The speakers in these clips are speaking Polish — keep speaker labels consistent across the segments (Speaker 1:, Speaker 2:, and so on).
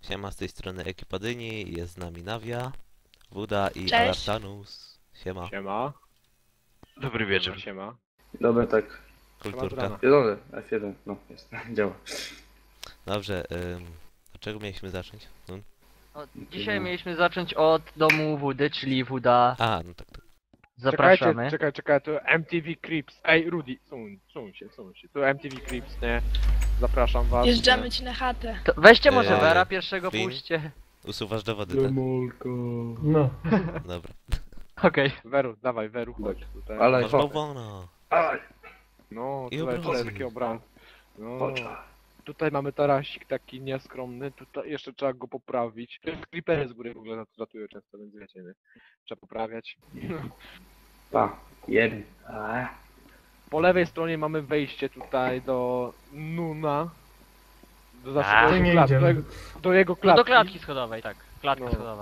Speaker 1: Siema, z tej strony ekipa Dyni, jest z nami Nawia, Wuda i
Speaker 2: Cześć.
Speaker 1: Alartanus. Siema,
Speaker 3: Siema.
Speaker 4: Dobry wieczór.
Speaker 3: Siema.
Speaker 5: Dobra, tak.
Speaker 1: kulturka.
Speaker 5: Zielony, F1, no jest, działa.
Speaker 1: Dobrze, od czego mieliśmy zacząć? No?
Speaker 4: Dzisiaj mieliśmy zacząć od domu Wudy, czyli Wuda.
Speaker 1: A, no tak.
Speaker 4: Zapraszamy.
Speaker 3: Czekaj, to MTV Creeps. Ej, Rudy, suń się. To MTV Creeps, nie? Zapraszam was.
Speaker 2: Jeżdżamy ci na chatę.
Speaker 4: To weźcie może
Speaker 1: Eee,
Speaker 4: Vera pierwszego,
Speaker 1: Win?
Speaker 4: puśćcie.
Speaker 1: Usuwasz dowody, tak?
Speaker 5: No.
Speaker 1: Dobra.
Speaker 4: Okej.
Speaker 3: Weru, chodź tutaj.
Speaker 5: Ale
Speaker 1: Masz bałwana.
Speaker 5: Aj,
Speaker 3: No,
Speaker 1: I
Speaker 3: tutaj
Speaker 1: obrazy.
Speaker 3: taki obraz. No.
Speaker 5: chodź.
Speaker 3: Tutaj mamy tarasik taki nieskromny, tutaj jeszcze trzeba go poprawić. Creepery z góry w ogóle latują często, więc wiecie, nie? Trzeba poprawiać.
Speaker 5: Pa, jeden.
Speaker 3: Po lewej stronie mamy wejście tutaj do Nuna. Do,
Speaker 4: A,
Speaker 3: jego
Speaker 6: nie
Speaker 3: klatki,
Speaker 6: idziemy.
Speaker 3: do jego
Speaker 4: No
Speaker 3: klatki.
Speaker 4: do klatki schodowej, tak. Klatka
Speaker 3: No.
Speaker 4: schodowa.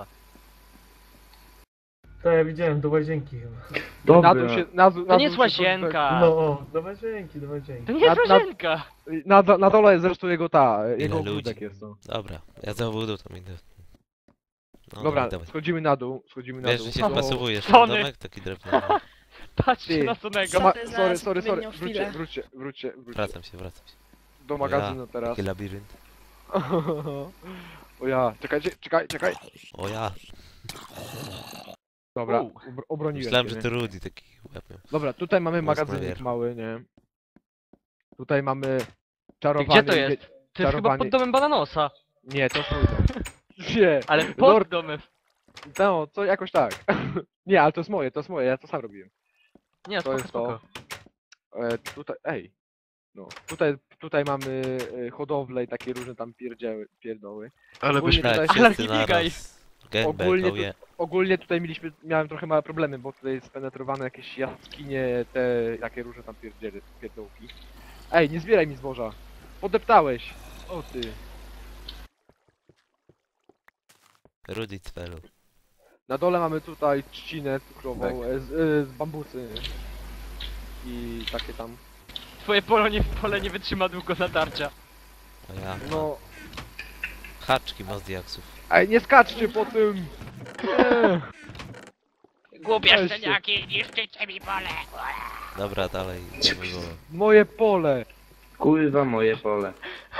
Speaker 6: To ja widziałem, do łazienki chyba.
Speaker 5: Dobra.
Speaker 3: Na dół się, na dół,
Speaker 4: To nie jest łazienka.
Speaker 6: No o, do łazienki, do łazienki.
Speaker 4: To nie jest
Speaker 3: Na-
Speaker 4: łazienka.
Speaker 3: Na dole jest zresztą jego jego
Speaker 1: ludzi?
Speaker 3: ogródek jest to.
Speaker 1: Dobra, ja za Wudą tam idę. No,
Speaker 3: Dobra,
Speaker 1: dawaj.
Speaker 3: schodzimy na dół,
Speaker 1: Wiesz, że się
Speaker 3: Do-
Speaker 1: wpasowujesz w
Speaker 4: Sony.
Speaker 1: domek, taki drewniany.
Speaker 4: Patrzcie
Speaker 3: Ty.
Speaker 4: na Sonego.
Speaker 3: Ma,
Speaker 2: Co ty za
Speaker 3: sorry.
Speaker 2: odpowiednią chwilę?
Speaker 3: Wróćcie.
Speaker 1: Wracam się.
Speaker 3: Do magazynu teraz.
Speaker 1: Taki labirynt.
Speaker 3: O ja, czekaj.
Speaker 1: O ja,
Speaker 3: Dobra,
Speaker 4: U.
Speaker 3: obroniłem
Speaker 1: myślałem,
Speaker 3: cię,
Speaker 1: że
Speaker 3: nie?
Speaker 1: to Rudy taki łeb miał.
Speaker 3: Dobra, tutaj mamy
Speaker 1: Głos na
Speaker 3: magazynek
Speaker 1: wierzch.
Speaker 3: mały, nie? Tutaj mamy czarowany...
Speaker 4: Gdzie to jest? To jest chyba
Speaker 3: czarowany-
Speaker 4: pod domem Bananosa.
Speaker 3: Nie, to twój dom. Nie,
Speaker 4: Ale pod
Speaker 3: Lord-
Speaker 4: domem.
Speaker 3: no, to jakoś tak. Nie, ale to jest moje, ja to sam robiłem.
Speaker 4: Nie,
Speaker 3: To
Speaker 4: spoko,
Speaker 3: jest
Speaker 4: spoko.
Speaker 3: Tutaj, no, tutaj mamy hodowlę i takie różne tam pierdoły.
Speaker 4: Ale
Speaker 3: Ogólnie
Speaker 4: byśmy...
Speaker 3: tutaj-
Speaker 4: Ale
Speaker 1: Wszyscy
Speaker 4: nie biegaj.
Speaker 1: naraz. Gangbang,
Speaker 3: Ogólnie
Speaker 1: oh yeah.
Speaker 3: Ogólnie tutaj miałem trochę małe problemy, bo tutaj spenetrowane jakieś jaskinie, te jakie różne tam pierdołki. Ej, nie zbieraj mi zboża. Podeptałeś. O ty.
Speaker 1: Rudy Cwelu.
Speaker 3: Na dole mamy tutaj trzcinę cukrową
Speaker 5: Tak.
Speaker 3: z bambusy. I takie tam.
Speaker 4: Twoje pole nie wytrzyma długo natarcia.
Speaker 1: O ja.
Speaker 3: No.
Speaker 1: Haczki ma z diaksów.
Speaker 3: Ej, nie skaczcie po tym! Nie.
Speaker 4: Głupie
Speaker 3: Weźcie.
Speaker 4: szczeniaki, niszczycie mi pole.
Speaker 1: Dobra, dalej. idziemy, bo...
Speaker 3: Moje pole!
Speaker 5: Kurwa, moje pole.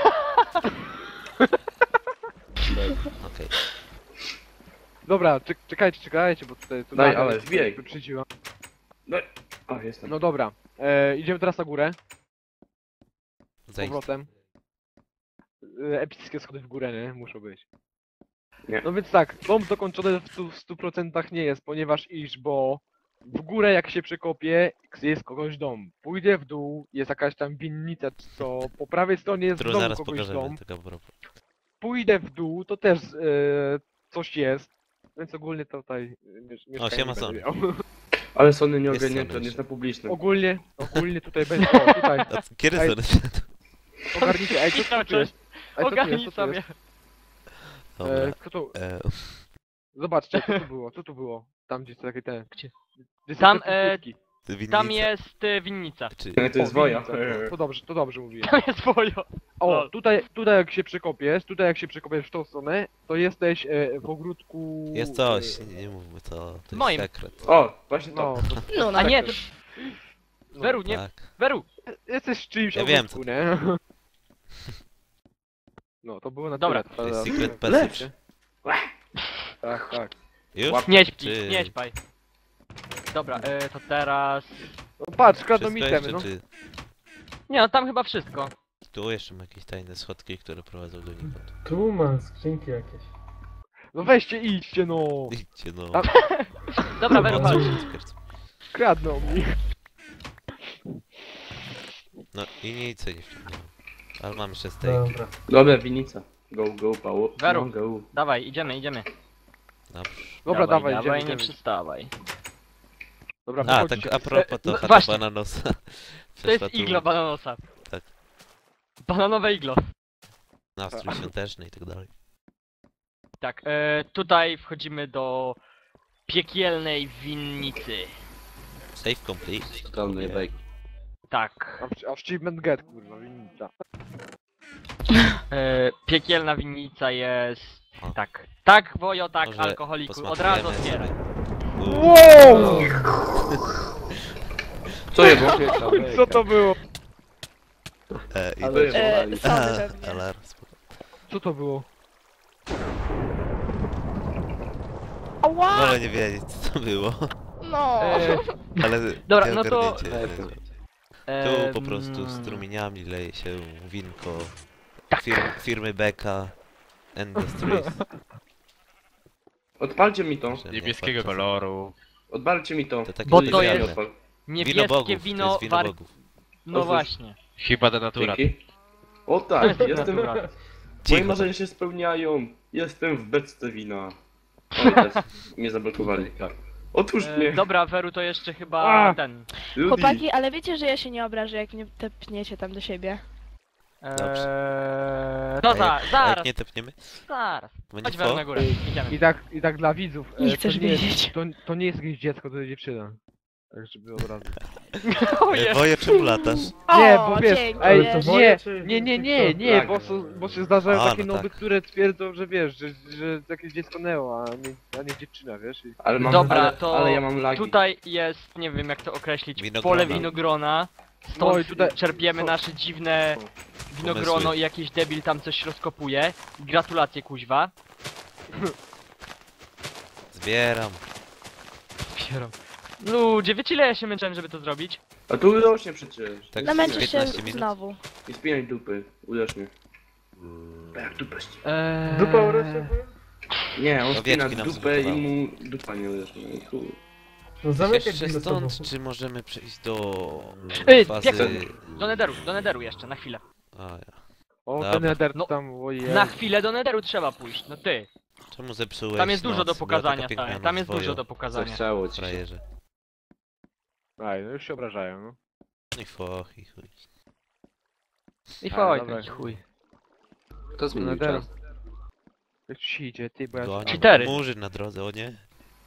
Speaker 1: Okej.
Speaker 3: Dobra, czekajcie, bo tutaj... tu
Speaker 5: Daj,
Speaker 3: nagle
Speaker 5: ale zbieg.
Speaker 3: wyprzedziła.
Speaker 5: O, jestem.
Speaker 3: No dobra, idziemy teraz na górę. Z
Speaker 1: Zejdź.
Speaker 3: powrotem. Epickie schody w górę, nie? Muszą być.
Speaker 5: Nie.
Speaker 3: No więc tak, dom dokończony w 100% nie jest, ponieważ bo w górę jak się przekopię, jest kogoś dom. Pójdę w dół, jest jakaś tam winnica, co po prawej stronie jest
Speaker 1: Którą
Speaker 3: znowu
Speaker 1: zaraz
Speaker 3: kogoś
Speaker 1: pokażemy,
Speaker 3: dom.
Speaker 1: tego propos.
Speaker 3: Pójdę w dół, to też coś jest. Więc ogólnie tutaj mieszkanie
Speaker 1: siema,
Speaker 3: będę
Speaker 1: Sony.
Speaker 3: miał.
Speaker 5: Ale Sony nie
Speaker 1: Jest
Speaker 5: ogarnięty,
Speaker 1: Sony
Speaker 5: on jest na publicznym.
Speaker 3: Ogólnie tutaj będzie, o tutaj,
Speaker 1: A kiedy
Speaker 3: Ej.
Speaker 1: to wszedł?
Speaker 3: ogarnijcie, ej, co tu jest? Ej, co tu
Speaker 4: Ogarnij
Speaker 3: jest?
Speaker 4: sobie.
Speaker 1: Dobra.
Speaker 3: Kto tu?
Speaker 1: E,
Speaker 3: Zobaczcie, co tu było? Tam gdzie takie te...
Speaker 4: Gdzie?
Speaker 3: Gdzie są
Speaker 4: Tam,
Speaker 3: te pustki?
Speaker 1: winnica.
Speaker 4: Tam jest winnica.
Speaker 1: Czy...
Speaker 5: To jest
Speaker 3: O,
Speaker 5: woja.
Speaker 3: winnica. To dobrze mówiłem.
Speaker 4: Tam jest wojo.
Speaker 3: O,
Speaker 4: Lol.
Speaker 3: tutaj jak się przekopiesz, w tą stronę, to jesteś w ogródku...
Speaker 1: Jest coś, nie mówmy to. To jest
Speaker 4: Moim.
Speaker 1: sekret.
Speaker 5: O, właśnie to.
Speaker 3: No,
Speaker 2: No,
Speaker 4: A
Speaker 2: na
Speaker 4: nie, to...
Speaker 3: no.
Speaker 4: Weru, nie,
Speaker 1: Tak.
Speaker 4: Weru.
Speaker 3: Jesteś w czyimś
Speaker 1: Ja wiem,
Speaker 3: ogródku, nie? No, to było na
Speaker 4: Dobra.
Speaker 3: tyle.
Speaker 1: To jest
Speaker 3: Teraz-
Speaker 1: secret passage.
Speaker 3: Tak.
Speaker 1: Już?
Speaker 4: Nie śpi,
Speaker 1: Czy-
Speaker 4: nie śpaj. Dobra, to teraz...
Speaker 3: No patrz, kradną mi
Speaker 1: Wszystko
Speaker 3: temy,
Speaker 1: jeszcze,
Speaker 3: no.
Speaker 1: czy...
Speaker 4: Nie no, tam chyba wszystko.
Speaker 1: Tu jeszcze ma jakieś tajne schodki, które prowadzą do nikąd.
Speaker 6: Tu mam skrzynki jakieś.
Speaker 3: No weźcie, idźcie, no.
Speaker 1: Idźcie no.
Speaker 3: A-
Speaker 4: Dobra, Weru, chodź.
Speaker 3: Kradną mi.
Speaker 1: No i nic nie wciągnąłem. Ale mam jeszcze steak.
Speaker 6: Dobra.
Speaker 5: Dobra, winnica. Go, Paweł.
Speaker 4: Weru.
Speaker 5: No, go.
Speaker 4: Dawaj, idziemy.
Speaker 1: Dobrze.
Speaker 3: Dobra, dawaj,
Speaker 4: dawaj,
Speaker 3: idziemy.
Speaker 4: nie przystawaj.
Speaker 3: Dobra,
Speaker 1: A,
Speaker 3: wychodźcie.
Speaker 1: tak a propos to
Speaker 4: no
Speaker 1: chata
Speaker 4: właśnie.
Speaker 1: bananosa.
Speaker 4: To
Speaker 1: Przeszła
Speaker 4: jest
Speaker 1: tu
Speaker 4: iglo bananosa.
Speaker 1: Tak.
Speaker 4: Bananowe iglo.
Speaker 1: Nastrój świąteczny i tak dalej.
Speaker 4: Tak, tutaj wchodzimy do piekielnej winnicy.
Speaker 1: Save complete.
Speaker 5: Totalny
Speaker 1: Yeah.
Speaker 5: bake.
Speaker 4: Tak.
Speaker 3: Achievement get, kurwa, winnica.
Speaker 4: Piekielna winnica jest...
Speaker 1: O.
Speaker 4: Tak. Tak, Wojo, tak,
Speaker 1: Może
Speaker 4: alkoholiku. Od razu
Speaker 1: posmakujemy
Speaker 4: otwieraj.
Speaker 1: sobie.
Speaker 3: Wow!
Speaker 5: Co je było?
Speaker 3: Co to było?
Speaker 1: I
Speaker 5: Ale-
Speaker 1: będzie-
Speaker 2: Sody pewnie.
Speaker 1: Alarm, spoko.
Speaker 3: Co to było?
Speaker 2: Ała!
Speaker 1: Wolę nie wiedzieć co to było,
Speaker 2: No!
Speaker 1: ale
Speaker 4: Dobra,
Speaker 1: nie
Speaker 4: no to-
Speaker 1: ogarnięcie. Tu po prostu strumieniami leje się winko
Speaker 4: Tak.
Speaker 1: firmy Beka Industries.
Speaker 5: Odpalcie mi to.
Speaker 1: Że
Speaker 7: Niebieskiego
Speaker 1: nie patrzę.
Speaker 7: koloru.
Speaker 5: Odpalcie mi to.
Speaker 1: To takie
Speaker 4: Bo to
Speaker 1: specjalne.
Speaker 4: jest-
Speaker 5: Odpal.
Speaker 1: Wino
Speaker 4: Niebieskie
Speaker 1: bogów, to
Speaker 4: wino
Speaker 1: jest wino
Speaker 4: war...
Speaker 1: bogów.
Speaker 4: No
Speaker 5: Otwórz.
Speaker 4: właśnie.
Speaker 7: Chyba denatura.
Speaker 5: Dzięki. O
Speaker 4: To
Speaker 5: tak,
Speaker 4: jest
Speaker 5: jestem...
Speaker 4: natura.
Speaker 5: Moje
Speaker 1: Cicho.
Speaker 5: marzenia się spełniają. Jestem w beczce wina. Oj, teraz mnie zablokowali. Otwórz mnie.
Speaker 4: Dobra, Weru to jeszcze chyba
Speaker 3: A!
Speaker 4: ten.
Speaker 5: Rudy.
Speaker 2: Chłopaki, ale wiecie, że ja się nie obrażę, jak mnie tepniecie tam do siebie.
Speaker 4: No
Speaker 1: A jak
Speaker 4: zaraz,
Speaker 1: nie tepniemy?
Speaker 4: zaraz.
Speaker 1: Bo nie
Speaker 4: Chodź Weru
Speaker 1: tło?
Speaker 4: na górę, idziemy.
Speaker 3: I tak dla widzów.
Speaker 2: Nie
Speaker 3: to
Speaker 2: chcesz
Speaker 3: nie jest,
Speaker 2: wiedzieć.
Speaker 3: to nie jest jakieś dziecko, to jest dziewczyna. Tak, żeby od razu.
Speaker 4: Ojej.
Speaker 1: Boję czemu latasz?
Speaker 3: Nie,
Speaker 2: O,
Speaker 3: bo wiesz,
Speaker 2: dzięki.
Speaker 3: ej,
Speaker 6: Ale to woje,
Speaker 3: nie,
Speaker 6: czy-
Speaker 3: nie, nie,
Speaker 6: czy
Speaker 3: nie,
Speaker 6: kto?
Speaker 3: nie,
Speaker 5: Tak.
Speaker 3: bo się zdarzają
Speaker 1: A,
Speaker 3: takie
Speaker 1: no
Speaker 3: noby,
Speaker 1: tak.
Speaker 3: które twierdzą, że wiesz, że jakieś dziecko Neo, a nie dziewczyna, wiesz?
Speaker 5: Ale mam,
Speaker 4: Dobra,
Speaker 5: ale,
Speaker 4: to
Speaker 5: ale ja mam lagi.
Speaker 4: Tutaj jest, nie wiem jak to określić,
Speaker 1: Winogrona.
Speaker 4: pole winogrona. Stąd
Speaker 3: No i tutaj-
Speaker 4: czerpiemy nasze dziwne winogrono
Speaker 1: Pomysły.
Speaker 4: i jakiś debil tam coś rozkopuje. Gratulacje kuźwa.
Speaker 1: Zbieram.
Speaker 4: Ludzie, wiecie ile ja się męczyłem, żeby to zrobić?
Speaker 5: A tu rośnie przecież.
Speaker 1: Tak
Speaker 2: Namęczysz się
Speaker 1: 15 minut.
Speaker 2: znowu.
Speaker 5: Nie spinaj dupy. Uderz mnie. Jak dupę ści-
Speaker 6: Dupa urośnie?
Speaker 5: Nie, on
Speaker 1: Owieczki
Speaker 5: spina
Speaker 1: nam
Speaker 5: dupę i
Speaker 1: zbudowały.
Speaker 5: mu dupa nie uderzy. No i chuj.
Speaker 6: No zamykaj
Speaker 1: Jeszcze
Speaker 6: drzwi za sobą.
Speaker 1: stąd, czy możemy przejść do
Speaker 4: Biegłem.
Speaker 1: fazy...
Speaker 4: Do Nederu jeszcze, na chwilę.
Speaker 1: A, ja.
Speaker 3: O,
Speaker 1: Dobra.
Speaker 3: ten Nether
Speaker 4: No,
Speaker 3: tam, ojej.
Speaker 4: Na chwilę do Nederu trzeba pójść, no ty.
Speaker 1: Czemu zepsułeś
Speaker 4: Tam jest dużo
Speaker 1: noc?
Speaker 4: do
Speaker 1: Była
Speaker 4: pokazania,
Speaker 1: taka piękna
Speaker 4: tak. Tam
Speaker 1: noc,
Speaker 4: jest dużo
Speaker 1: Wojo,
Speaker 4: do pokazania.
Speaker 5: Zachciało ci się.
Speaker 1: frajerze.
Speaker 3: Aj, no już się obrażają, no.
Speaker 1: No i foch, i chuj.
Speaker 4: I
Speaker 3: A,
Speaker 4: foj,
Speaker 3: dobra.
Speaker 4: taki chuj.
Speaker 5: Kto zmienił
Speaker 3: Nederu.
Speaker 5: czas?
Speaker 3: Jak ci idzie, ty, bo ja...
Speaker 1: Gonią.
Speaker 4: Cheatery.
Speaker 1: Murzyn na drodze, o nie?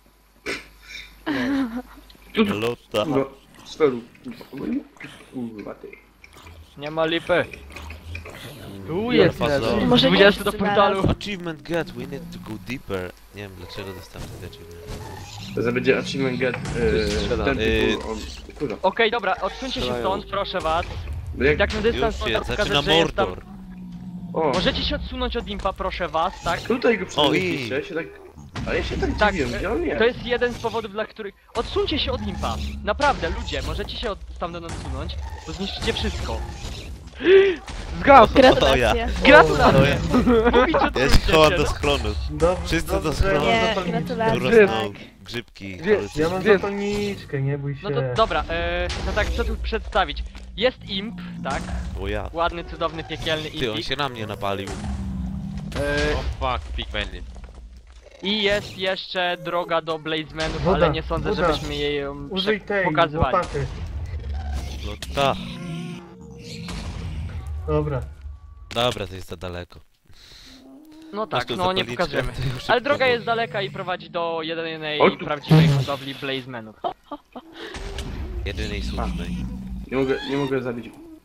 Speaker 5: Tu-
Speaker 1: Lota.
Speaker 5: No, sferu. Kurwa ty.
Speaker 4: Nie ma lipy.
Speaker 3: Tu jest
Speaker 1: Faza.
Speaker 3: Nether.
Speaker 2: Może nie
Speaker 4: 20 do
Speaker 2: wszyscy
Speaker 4: portalu.
Speaker 2: naraz.
Speaker 1: Achievement get, we need to go deeper. Nie wiem dlaczego dostałem ten achievement.
Speaker 5: To będzie achievement get ten tytuł, on... Kurwa.
Speaker 4: Okej, dobra, odsuńcie się stąd, proszę was.
Speaker 5: No jak...
Speaker 4: Jak na dystans
Speaker 1: Już
Speaker 4: można
Speaker 1: się
Speaker 4: pokazać,
Speaker 1: zaczyna
Speaker 4: że jest tam...
Speaker 1: Mordor.
Speaker 5: O,
Speaker 4: Możecie się odsunąć od impa, proszę was, tak?
Speaker 5: tutaj go
Speaker 1: O, i-
Speaker 5: przenieśliście, ja się tak... Ale ja się tak
Speaker 4: Tak,
Speaker 5: dziwię, gdzie on jest?
Speaker 4: To jest jeden z powodów, dla których... Odsuńcie się od impa. Naprawdę, ludzie, możecie się stamtąd odsunąć, bo zniszczycie wszystko.
Speaker 3: Zgasł!
Speaker 2: Gratulacje.
Speaker 4: Gratulacje! Mówić
Speaker 1: Ja się chowam
Speaker 4: odsuńcie
Speaker 1: do
Speaker 4: się,
Speaker 1: schronu.
Speaker 6: Dobrze,
Speaker 1: Wszyscy
Speaker 6: dobrze,
Speaker 1: do schronu.
Speaker 6: ja mam
Speaker 2: Nie,
Speaker 6: zapalniczkę.
Speaker 1: Tu
Speaker 2: gratulacje.
Speaker 1: rosną
Speaker 2: Tak.
Speaker 1: grzybki.
Speaker 3: Gdzie-
Speaker 1: ale
Speaker 6: Ja mam
Speaker 3: Gdzie-
Speaker 6: zapalniczkę, nie bój się.
Speaker 4: No to dobra, no tak, co tu przedstawić? Jest imp, tak?
Speaker 1: O ja.
Speaker 4: Ładny, cudowny, piekielny
Speaker 1: Ty, on
Speaker 4: impik.
Speaker 1: się na mnie napalił.
Speaker 7: O fuck, pigmeny.
Speaker 4: I jest jeszcze droga do Blazemanów,
Speaker 6: Woda,
Speaker 4: ale nie sądzę,
Speaker 6: woda.
Speaker 4: żebyśmy jej ją
Speaker 6: Użyj tej
Speaker 4: pokazywali.
Speaker 6: łopaty.
Speaker 1: Lota.
Speaker 6: Dobra.
Speaker 1: Dobra, to jest za daleko.
Speaker 4: No
Speaker 1: Masz
Speaker 4: tak,
Speaker 1: tu
Speaker 4: no nie
Speaker 1: zapalniczkę,
Speaker 4: pokażemy.
Speaker 1: to już
Speaker 4: Ale
Speaker 1: szybko,
Speaker 4: droga
Speaker 1: bo-
Speaker 4: jest daleka i prowadzi do jedynej
Speaker 5: Oj, tu-
Speaker 4: prawdziwej hodowli Blazemanów.
Speaker 1: Jedynej słusznej.
Speaker 5: Nie mogę zabić.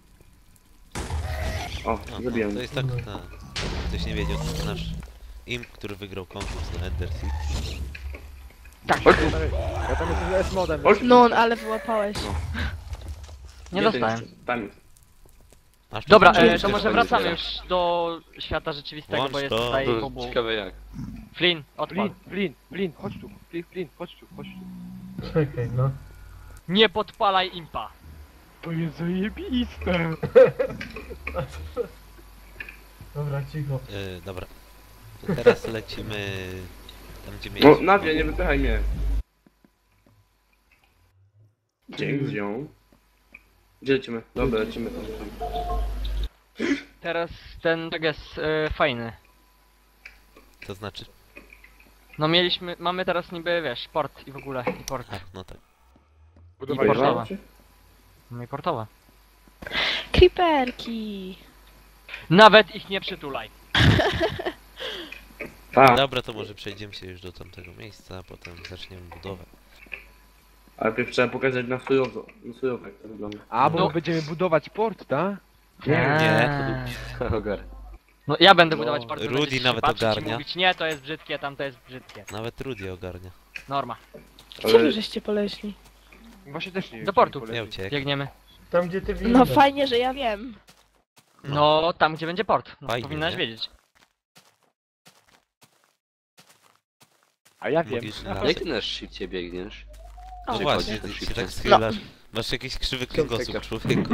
Speaker 5: O,
Speaker 1: No,
Speaker 5: zabiłem.
Speaker 1: to jest tak, ktoś nie wiedział, to nasz imp, który wygrał konkurs na Ender City.
Speaker 4: Tak,
Speaker 5: Chodź tu.
Speaker 3: Ja tam jestem z S-modem.
Speaker 5: Chodź.
Speaker 2: No, ale wyłapałeś.
Speaker 4: nie
Speaker 5: Jeden
Speaker 4: dostałem.
Speaker 5: jeszcze. Tam jest.
Speaker 1: Aż tu
Speaker 4: Dobra,
Speaker 1: zobaczymy,
Speaker 4: to
Speaker 1: czy
Speaker 4: może
Speaker 1: to
Speaker 4: wracamy
Speaker 1: będzie.
Speaker 4: już do świata rzeczywistego,
Speaker 1: Włącz
Speaker 4: bo jest
Speaker 1: to.
Speaker 4: tutaj
Speaker 1: To
Speaker 4: obu.
Speaker 7: Ciekawe jak.
Speaker 4: Flynn, odpal.
Speaker 3: Flin, chodź tu, Flin, chodź tu.
Speaker 6: Czekaj, no.
Speaker 4: Nie podpalaj impa.
Speaker 3: To jest zajebiste.
Speaker 6: Dobra, cicho.
Speaker 1: Dobra. To teraz lecimy tam, gdzie
Speaker 5: No,
Speaker 1: mieliśmy.
Speaker 5: Nadia, nie wypychaj mnie. Dzięki z nią. Gdzie lecimy? Dobra, lecimy tam.
Speaker 4: Teraz ten tak jest fajny.
Speaker 1: To znaczy?
Speaker 4: No mamy teraz niby, wiesz, port i w ogóle, i port.
Speaker 1: A, no tak.
Speaker 3: Budowali
Speaker 4: portowa.
Speaker 3: się?
Speaker 4: No i portowa.
Speaker 2: Creeperki.
Speaker 4: Nawet ich nie przytulaj.
Speaker 5: Tak,
Speaker 1: Dobra, to może przejdziemy się już do tamtego miejsca, a potem zaczniemy budowę.
Speaker 5: ale najpierw trzeba pokazać na surowo, jak to wygląda.
Speaker 3: A, bo
Speaker 4: No.
Speaker 3: my będziemy budować port, tak?
Speaker 1: Nie.
Speaker 5: Ogar.
Speaker 4: No ja będę
Speaker 5: No,
Speaker 4: budować port,
Speaker 1: Rudy
Speaker 4: będziecie się
Speaker 1: nawet
Speaker 4: patrzeć i
Speaker 1: ogarnia.
Speaker 4: mówić, nie, to jest brzydkie, tam to jest brzydkie.
Speaker 1: Nawet Rudy ogarnia.
Speaker 4: Norma.
Speaker 2: Gdzie wy żeście poleśli?
Speaker 3: Właśnie też nie wiem.
Speaker 4: Do
Speaker 3: gdzie
Speaker 4: portu.
Speaker 3: polecieć.
Speaker 1: Nie uciekł.
Speaker 4: Biegniemy.
Speaker 6: Tam gdzie ty widzisz.
Speaker 2: No fajnie, że ja wiem.
Speaker 4: No, tam gdzie będzie port. No,
Speaker 1: Fajnie,
Speaker 4: powinnaś
Speaker 1: nie?
Speaker 4: wiedzieć.
Speaker 3: A ja wiem.
Speaker 1: Mówisz, że
Speaker 5: Jak ty na szybciej biegniesz?
Speaker 2: O,
Speaker 1: No
Speaker 5: Czy
Speaker 1: właśnie,
Speaker 5: chodzisz
Speaker 1: ty się
Speaker 5: szybciej?
Speaker 1: tak schylasz. Masz jakiś krzywy kręgosłup,
Speaker 5: Piąteka.
Speaker 1: człowieku.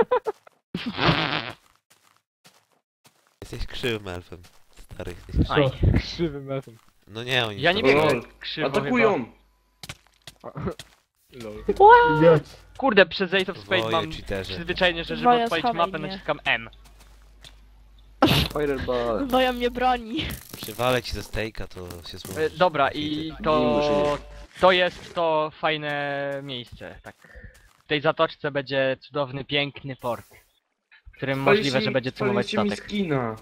Speaker 1: Jesteś krzywym elfem. Stary, jesteś krzywy.
Speaker 4: Aj.
Speaker 3: Krzywym elfem.
Speaker 1: No nie, oni
Speaker 4: Ja nie
Speaker 1: są-
Speaker 4: biegnę
Speaker 5: Lol.
Speaker 4: krzywo chyba.
Speaker 5: Atakują!
Speaker 3: Lol.
Speaker 6: Idioci.
Speaker 4: Kurde, przez Ace of Spades
Speaker 1: Woje,
Speaker 4: mam
Speaker 1: cheaterzy.
Speaker 4: przyzwyczajenie, że żeby
Speaker 2: Woja,
Speaker 4: odpalić
Speaker 2: schowaj
Speaker 4: mapę
Speaker 2: mnie.
Speaker 4: naciskam M.
Speaker 5: Fireball.
Speaker 2: Woja mnie broni.
Speaker 1: Przywalę ci ze stejka, to się złoży.
Speaker 4: Dobra, i to jest to fajne miejsce, tak. W tej zatoczce będzie cudowny, piękny port, w którym możliwe, że będzie cumować
Speaker 5: mi
Speaker 4: statek.
Speaker 5: skina.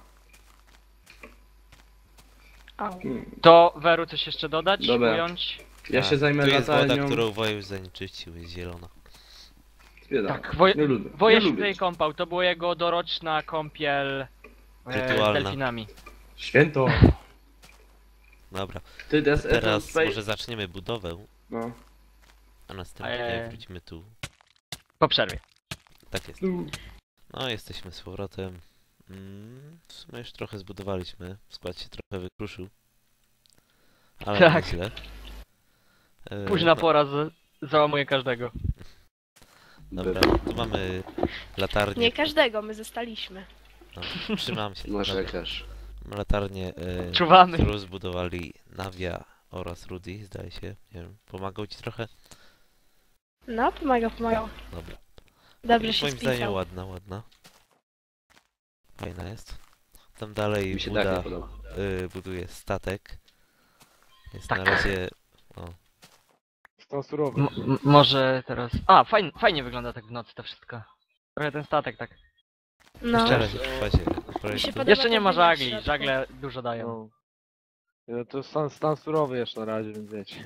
Speaker 2: Au.
Speaker 4: To Weru coś jeszcze dodać,
Speaker 5: Dobra.
Speaker 4: ująć?
Speaker 5: Ja się zajmę
Speaker 1: Tu jest woda,
Speaker 5: latarnią.
Speaker 1: którą Woju zanieczyścił, jest zielona.
Speaker 5: Zbieram.
Speaker 4: Tak,
Speaker 5: Nie lubię.
Speaker 4: Woje
Speaker 5: nie
Speaker 4: się
Speaker 5: lubię.
Speaker 4: tutaj kąpał, to była jego doroczna kąpiel z
Speaker 1: Rytualna.
Speaker 4: delfinami.
Speaker 5: Święto.
Speaker 1: Dobra,
Speaker 5: Ty des
Speaker 1: teraz może zaczniemy budowę,
Speaker 5: No.
Speaker 1: a następnie
Speaker 4: Eee.
Speaker 1: wrócimy tu.
Speaker 4: Po przerwie.
Speaker 1: Tak jest. No, jesteśmy z powrotem. W sumie już trochę zbudowaliśmy. Skład się trochę wykruszył. Ale
Speaker 4: Tak.
Speaker 1: nie źle.
Speaker 4: Późna pora załamuje każdego.
Speaker 1: Dobra, tu mamy latarnię.
Speaker 2: Nie każdego, my zostaliśmy.
Speaker 1: No, trzymam się.
Speaker 5: Masz
Speaker 1: Dobra.
Speaker 5: lekarz.
Speaker 1: Mamy latarnię,
Speaker 4: Czuwamy.
Speaker 1: którą zbudowali Nawia oraz Rudy, zdaje się. Nie wiem, pomagał ci trochę?
Speaker 2: No, pomagał.
Speaker 1: Dobra.
Speaker 2: Dobrze się
Speaker 1: Moim zdaniem
Speaker 2: spisał.
Speaker 1: ładna. Fajna jest. Tam dalej
Speaker 5: Mi się tak nie
Speaker 1: Buda
Speaker 5: podoba.
Speaker 1: buduje statek. Jest
Speaker 4: Tak.
Speaker 1: na razie...
Speaker 3: Stan surowy.
Speaker 4: Może teraz... A, fajnie wygląda tak w nocy to wszystko. Trochę ten statek tak.
Speaker 2: No.
Speaker 1: Jeszcze raz w fazie
Speaker 2: Mi się
Speaker 1: projektu.
Speaker 2: podoba
Speaker 4: Jeszcze nie
Speaker 2: ten
Speaker 4: ma
Speaker 2: wymiar w
Speaker 4: żagli,
Speaker 2: środku.
Speaker 4: żagle dużo dają.
Speaker 3: No. No to stan surowy jeszcze na razie, więc wiecie.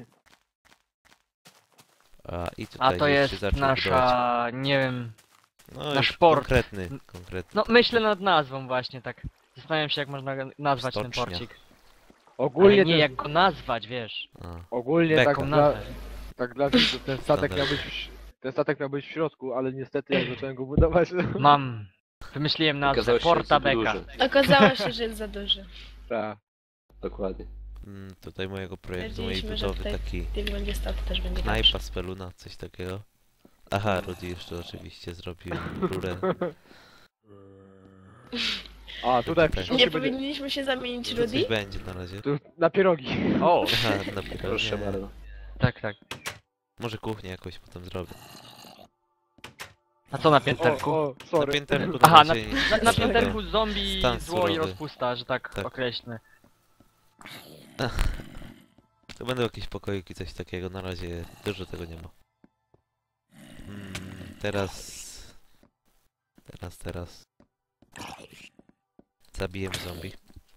Speaker 1: I tutaj
Speaker 4: A to
Speaker 1: już się
Speaker 4: jest
Speaker 1: zaczął budować.
Speaker 4: nasza... nie wiem...
Speaker 1: No,
Speaker 4: nasz
Speaker 1: już
Speaker 4: port.
Speaker 1: konkretny.
Speaker 4: No myślę nad nazwą właśnie tak. Zastanawiam się jak można nazwać ten
Speaker 1: Stocznia.
Speaker 4: porcik.
Speaker 3: Ogólnie
Speaker 4: Ale nie
Speaker 3: ten-
Speaker 4: jak go nazwać, wiesz.
Speaker 1: A,
Speaker 3: Ogólnie
Speaker 1: Beką.
Speaker 3: tak
Speaker 4: Jaką
Speaker 3: dla,
Speaker 4: nazwę.
Speaker 3: tak dla widzów, ten statek miał być ten statek miał być w środku, ale niestety jak zacząłem go budować,
Speaker 4: Mam. Wymyśliłem nazwę.
Speaker 5: Okazało się, że
Speaker 4: Porta
Speaker 5: jest
Speaker 4: Beka.
Speaker 5: duży.
Speaker 2: Okazało się, że jest za duży.
Speaker 3: tak.
Speaker 5: Dokładnie.
Speaker 1: tutaj mojego projektu, mojej
Speaker 2: Stwierdziliśmy, że
Speaker 1: budowy
Speaker 2: tutaj
Speaker 1: taki
Speaker 2: Tych będzie stał, to też będzie
Speaker 1: knajpa
Speaker 2: dobrze.
Speaker 1: z peluna, coś takiego. Aha, Rudy jeszcze oczywiście zrobił rurę.
Speaker 3: A tutaj w
Speaker 1: Nie
Speaker 3: przyszłości
Speaker 2: Nie
Speaker 3: będzie
Speaker 2: powinniśmy się zamienić,
Speaker 1: Coś
Speaker 2: Rudy?
Speaker 1: będzie na razie.
Speaker 3: tu na pierogi.
Speaker 4: O,
Speaker 1: Aha, dopiero
Speaker 5: Proszę
Speaker 1: nie.
Speaker 5: bardzo.
Speaker 4: tak, tak.
Speaker 1: Może kuchnię jakoś potem zrobię.
Speaker 4: A co na pięterku?
Speaker 3: O,
Speaker 1: Na
Speaker 3: sorry.
Speaker 1: pięterku
Speaker 4: Aha,
Speaker 1: na razie
Speaker 4: Na pięterku zombie,
Speaker 1: Stan
Speaker 4: zło i
Speaker 1: surowy.
Speaker 4: rozpusta, że tak,
Speaker 1: Tak.
Speaker 4: określmy.
Speaker 1: To będą jakieś pokoiki, coś takiego, na razie dużo tego nie ma. Teraz... Zabijemy zombie.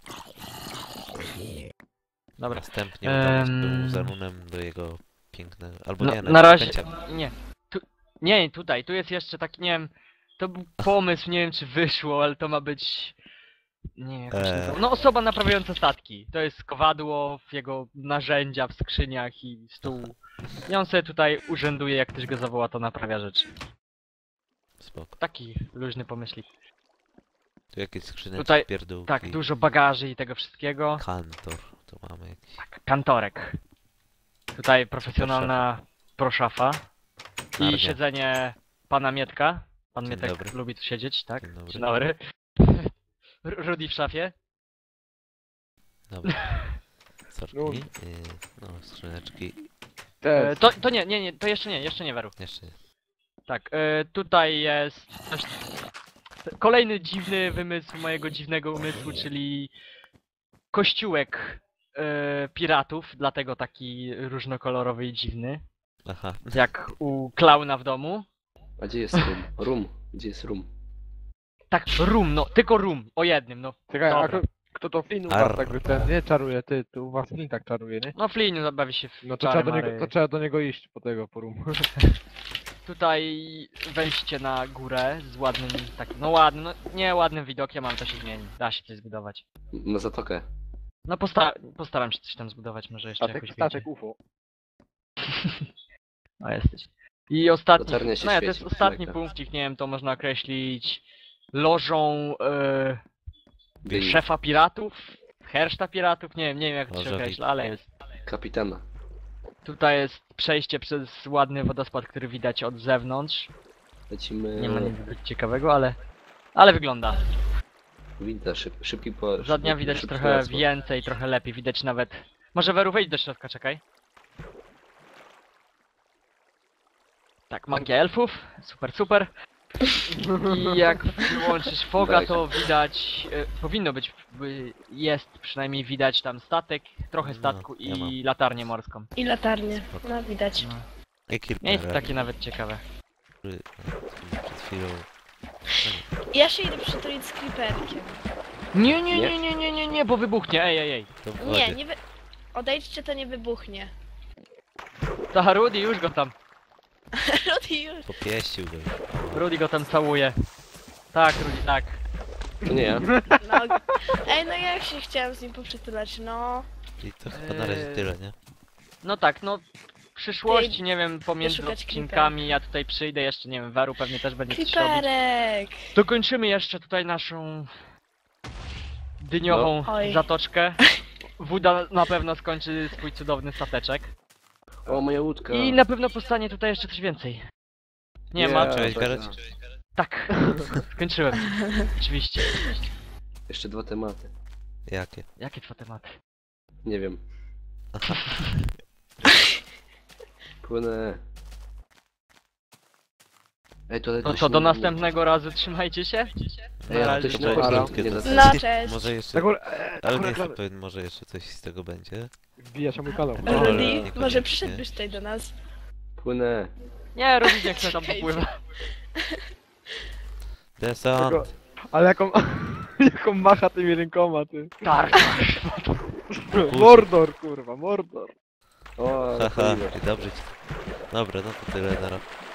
Speaker 4: Dobra.
Speaker 1: Następnie udamy się
Speaker 4: Em.
Speaker 1: z Zarunem do jego pięknego... Albo
Speaker 4: No,
Speaker 1: nie,
Speaker 4: na razie...
Speaker 1: Pęcia.
Speaker 4: Nie. Nie, tutaj, tu jest jeszcze taki, nie wiem... To był pomysł, nie wiem czy wyszło, ale to ma być... Nie wiem, jak to się nazywa. No osoba naprawiająca statki. To jest kowadło, w jego narzędzia w skrzyniach i stół. I on sobie tutaj urzęduje, jak ktoś go zawoła, to naprawia rzeczy.
Speaker 1: Spoko.
Speaker 4: Taki luźny pomyślik.
Speaker 1: Tu jakieś skrzyneczki,
Speaker 4: Tutaj-
Speaker 1: pierdółki.
Speaker 4: Tak, dużo bagaży i tego wszystkiego.
Speaker 1: Kantor. Tu mamy jakiś...
Speaker 4: Tak, kantorek. Tutaj profesjonalna proszafa. I
Speaker 1: Narnia.
Speaker 4: siedzenie pana Mietka. Pan
Speaker 1: Dzień
Speaker 4: Mietek
Speaker 1: dobry.
Speaker 4: lubi tu siedzieć, tak?
Speaker 1: Dzień dobry.
Speaker 4: Dzień dobry. Rudy w szafie.
Speaker 1: Dobra. Sorki.
Speaker 3: No.
Speaker 1: No, skrzyneczki.
Speaker 3: Też.
Speaker 4: To nie, to jeszcze nie Weru.
Speaker 1: Jeszcze nie.
Speaker 4: Tak, tutaj jest coś... Kolejny dziwny wymysł mojego dziwnego umysłu, czyli kościółek piratów, dlatego taki różnokolorowy i dziwny.
Speaker 1: Aha.
Speaker 4: Jak u klauna w domu.
Speaker 5: A gdzie jest rum? Rum. Gdzie jest rum?
Speaker 4: Tak, rum, no, tylko rum, o jednym, no.
Speaker 3: Czekaj, a
Speaker 4: Dobra.
Speaker 3: kto to Flynn u
Speaker 1: Arr.
Speaker 3: was tak ten nie czaruje, ty u was Flynn tak czaruje, nie?
Speaker 4: No Flynn zabawi się w
Speaker 3: No to
Speaker 4: czary
Speaker 3: trzeba, do niego,
Speaker 4: mary.
Speaker 3: to trzeba do niego iść po tego, po rum.
Speaker 4: tutaj wejście na górę z ładnym takim, no ładnym, no nie ładnym widokiem, ale to się zmieni. Da się coś zbudować.
Speaker 5: Na zatokę.
Speaker 4: No postaram się coś tam zbudować, może jeszcze jakoś
Speaker 3: Statek
Speaker 4: wyjdzie.
Speaker 3: UFO.
Speaker 4: O, jesteś. I ostatni,
Speaker 5: Latarnia się
Speaker 4: no ja to
Speaker 5: świeci,
Speaker 4: jest ostatni
Speaker 5: tak.
Speaker 4: punkcik, nie wiem, to można określić lożą
Speaker 1: Bill.
Speaker 4: szefa piratów, herszta piratów, nie wiem jak to się
Speaker 1: Loża
Speaker 4: określa, ale jest.
Speaker 5: Kapitana.
Speaker 4: Tutaj jest przejście przez ładny wodospad, który widać od zewnątrz.
Speaker 5: Lecimy...
Speaker 4: Nie ma nic zbyt ciekawego, ale wygląda.
Speaker 5: Winda, szybki po...
Speaker 4: Za dnia
Speaker 5: szybki-
Speaker 4: widać
Speaker 5: szybki
Speaker 4: trochę
Speaker 5: transport.
Speaker 4: więcej, trochę lepiej, widać nawet... Może Weru, wejdź do środka, czekaj. Tak, magia elfów, super, super. I jak wyłączysz foga,
Speaker 5: Tak.
Speaker 4: to widać, powinno być, jest przynajmniej widać tam statek, trochę
Speaker 1: No,
Speaker 4: statku
Speaker 1: ja mam.
Speaker 4: i latarnię morską.
Speaker 2: I latarnie. No widać.
Speaker 4: No.
Speaker 1: Jaki
Speaker 4: Miejsce takie nawet ciekawe.
Speaker 1: który przed chwilą...
Speaker 2: Ja się idę przytulić z creeperkiem.
Speaker 4: Nie, bo wybuchnie, ej.
Speaker 1: To w
Speaker 2: Nie,
Speaker 1: wodzie.
Speaker 2: nie wy... Odejdźcie, to nie wybuchnie.
Speaker 4: Ta Rudy już go tam,
Speaker 2: Rudy już.
Speaker 1: Popieścił go.
Speaker 4: Rudy go tam całuje. Tak, Rudy, tak.
Speaker 5: To nie ja.
Speaker 2: No. Ej, no ja się chciałem z nim poprzytulać, no.
Speaker 1: I to chyba na razie tyle, nie?
Speaker 4: No tak, no w przyszłości, nie wiem, pomiędzy
Speaker 2: wyszukać
Speaker 4: odcinkami ja tutaj przyjdę jeszcze, nie wiem, Weru pewnie też będzie coś robić.
Speaker 2: Creeperek!
Speaker 4: Dokończymy jeszcze tutaj naszą dyniową
Speaker 2: No. Oj.
Speaker 4: zatoczkę. Wuda na pewno skończy swój cudowny stateczek.
Speaker 5: O, moja łódka.
Speaker 4: I na pewno powstanie tutaj jeszcze coś więcej. Nie ma.
Speaker 1: Cześć,
Speaker 5: tak,
Speaker 1: Gareth.
Speaker 5: tak.
Speaker 4: Tak, skończyłem. Oczywiście.
Speaker 5: Jeszcze 2 tematy.
Speaker 1: Jakie?
Speaker 4: Jakie dwa tematy?
Speaker 5: Nie wiem. Płynę. Ej, to
Speaker 4: No to do następnego razu trzymajcie się.
Speaker 5: Ej,
Speaker 4: Na
Speaker 5: a
Speaker 4: razie,
Speaker 5: to się
Speaker 4: cześć.
Speaker 1: Powolutku
Speaker 5: nie
Speaker 1: to-
Speaker 5: da-
Speaker 2: No, cześć.
Speaker 1: Może jeszcze...
Speaker 3: Tak,
Speaker 1: Ale nie jestem pewien, może jeszcze coś z tego będzie.
Speaker 3: wbija się mój kanał.
Speaker 1: No, ale
Speaker 2: Rudy,
Speaker 1: niekoniecznie.
Speaker 2: może przyszedłbyś tutaj do nas.
Speaker 5: Płynę.
Speaker 4: Nie, Rudy nie chce tam popływać.
Speaker 1: Desant!
Speaker 3: Tego- Ale jaką macha tymi rękoma, ty.
Speaker 4: Tak.
Speaker 3: Mordor, kurwa, Mordor.
Speaker 5: O,
Speaker 1: Haha,
Speaker 5: paliwo.
Speaker 1: i dobrze ci. Dobra, no to tyle, nara.